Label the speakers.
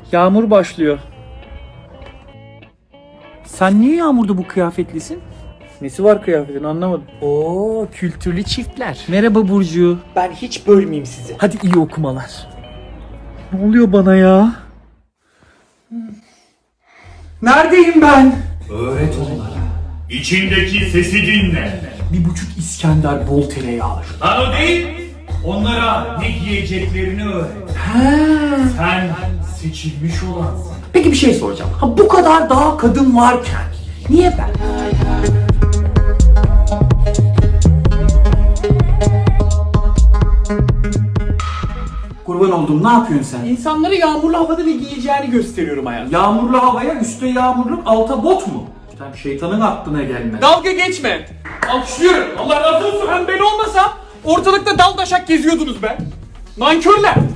Speaker 1: Yağmur başlıyor. Sen niye yağmurda bu kıyafetlisin? Nesi var kıyafetin anlamadım.
Speaker 2: Oo, kültürlü çiftler.
Speaker 1: Merhaba Burcu.
Speaker 2: Ben hiç bölmeyeyim sizi.
Speaker 1: Hadi iyi okumalar. Ne oluyor bana ya? Neredeyim ben?
Speaker 3: Öğret onlara. İçindeki sesi dinle.
Speaker 2: 1,5 İskender bol tereyağlı.
Speaker 3: Lan o değil. Onlara ne giyeceklerini öğret. Sen seçilmiş olansın.
Speaker 2: Peki bir şey soracağım. Ha, bu kadar daha kadın varken niye ben? Kurban oldum, ne yapıyorsun sen?
Speaker 1: İnsanlara yağmurlu havada ne giyeceğini gösteriyorum hayatım.
Speaker 2: Yağmurlu havaya üstte yağmurluk alta bot mu? Sen şeytanın aklına gelmez.
Speaker 1: Dalga geçme. Alkışlıyorum. Allah razı olsun. Hem ben olmasam ortalıkta dal daşak geziyordunuz be. Nankörler.